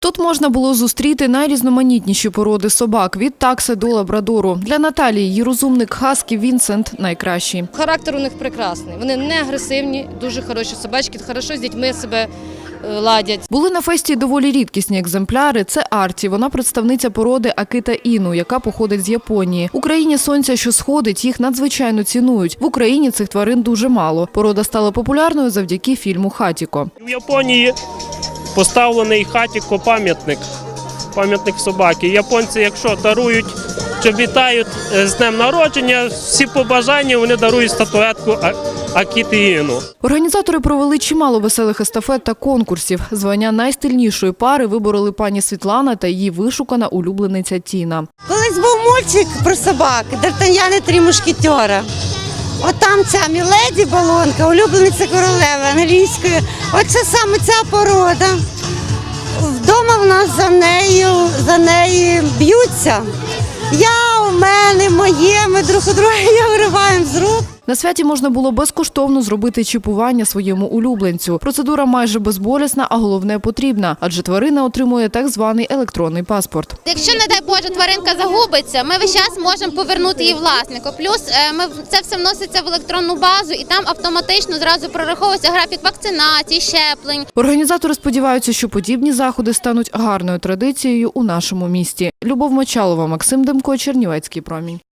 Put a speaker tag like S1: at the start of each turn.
S1: Тут можна було зустріти найрізноманітніші породи собак – від такси до лабрадору. Для Наталії її розумник хаски Вінсент найкращий.
S2: Характер у них прекрасний. Вони не агресивні, дуже хороші собачки, хорошо з дітьми себе ладять.
S1: Були на фесті й доволі рідкісні екземпляри. Це Арті. Вона представниця породи Акіта Іну, яка походить з Японії. В Україні сонця, що сходить, їх надзвичайно цінують. В Україні цих тварин дуже мало. Порода стала популярною завдяки фільму «Хатіко».
S3: В Японії поставлений Хатіко пам'ятник собаки. Японці, якщо дарують, чи вітають з днем народження, всі побажання вони дарують статуетку Акіти Іну.
S1: Організатори провели чимало веселих естафет та конкурсів. Звання найстильнішої пари вибороли пані Світлана та її вишукана улюблениця Тіна.
S4: Колись був мультик про собак «Д'Артаньян і три мушкетера». От там ця Міледі Балонка, улюблениця королеви англійської. Оце саме ця порода. Вдома в нас за неї б'ються. У мене, моє, ми друг у друга її вириваємо з рук.
S1: На святі можна було безкоштовно зробити чіпування своєму улюбленцю. Процедура майже безболісна, а головне – потрібна, адже тварина отримує так званий електронний паспорт.
S5: Якщо, не дай Боже, тваринка загубиться, ми весь час можемо повернути її власнику. Плюс це все вноситься в електронну базу і там автоматично зразу прораховується графік вакцинації, щеплень.
S1: Організатори сподіваються, що подібні заходи стануть гарною традицією у нашому місті. Любов Мочалова, Максим Демко, Чернівецький промінь.